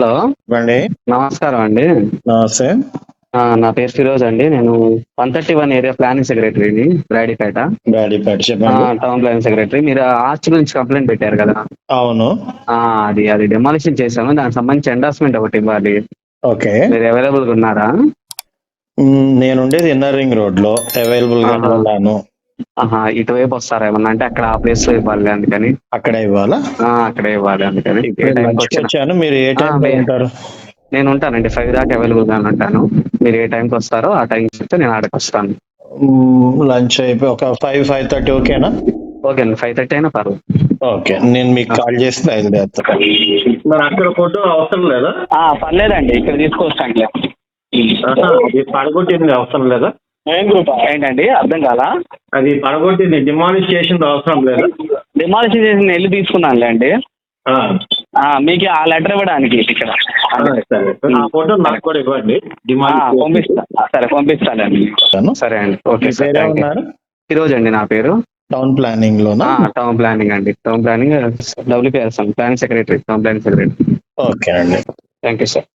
Hello అండి. నమస్కారం అండి. నమస్తే. నా పేరు ఫిరోజ్ అండి. నేను 131 ఏరియా ప్లానింగ్ సెక్రటరీని బ్రాడీపేట. చెప్పండి. Town planning secretary. మీరు ఆర్చ్ గురించి కంప్లైంట్ పెట్టారు కదా. అవును. అది డెమాలిషన్ చేశాను. దానికి సంబంధించి ఎండార్స్మెంట్ ఒకటి ఇవ్వాలి. ఓకే. మీరు అవైలబుల్ గా ఉన్నారా? నేనుండేది ఇన్నర్ రింగ్ రోడ్ లో అవైలబుల్ గానే ఉన్నాను. ఇటువైపు వస్తారా ఏమన్నా? అంటే అక్కడ ఆ ప్లేస్ లో ఇవ్వాలి అందుకని. అక్కడే ఇవ్వాలా? అక్కడే ఇవ్వాలి అందుకని. ఇప్పుడు లంచ్కి వచ్చాను. మీరు ఏ టైం లో ఉంటారు? నేను ఉంటానండి 5 దాకా అవైలబుల్ గా ఉంటాను. మీరు ఏ టైంకి వస్తారో ఆ టైం చెప్తే నేను ఆడకి వస్తాను. లంచ్ అయిపోయి ఒక 5:30 ఓకేనా? ఓకే అండి, 5:30 అయినా పర్లేదు. ఓకే, నేను మీకు కాల్ చేసి బయలుదేరుతాను. మరి అక్కడ ఫోటో అవసరం లేదా? పర్లేదండి, ఇక్కడ తీసుకొస్తాను. అది పడగొట్టింది అవసరం లేదా? ఏంటండి, అర్థం కాలా? అది పడగొట్టింది డిమాలిష్ చేసింది అవసరం లేదా? డిమాలిషన్ చేసి వెళ్ళి తీసుకున్నానులే అండి. మీకు ఆ లెటర్ ఇవ్వడానికి ఇక్కడ. ఫోటో నాకు కూడా ఇవ్వండి. పంపిస్తా. సరే పంపిస్తానండి. సరే అండి, ఓకే సార్. ఈరోజు అండి నా పేరు. టౌన్ ప్లానింగ్ లోనా? టౌన్ ప్లానింగ్ అండి. Town planning WPS planning secretary. Town planning secretary. Okay అండి. Thank you sir.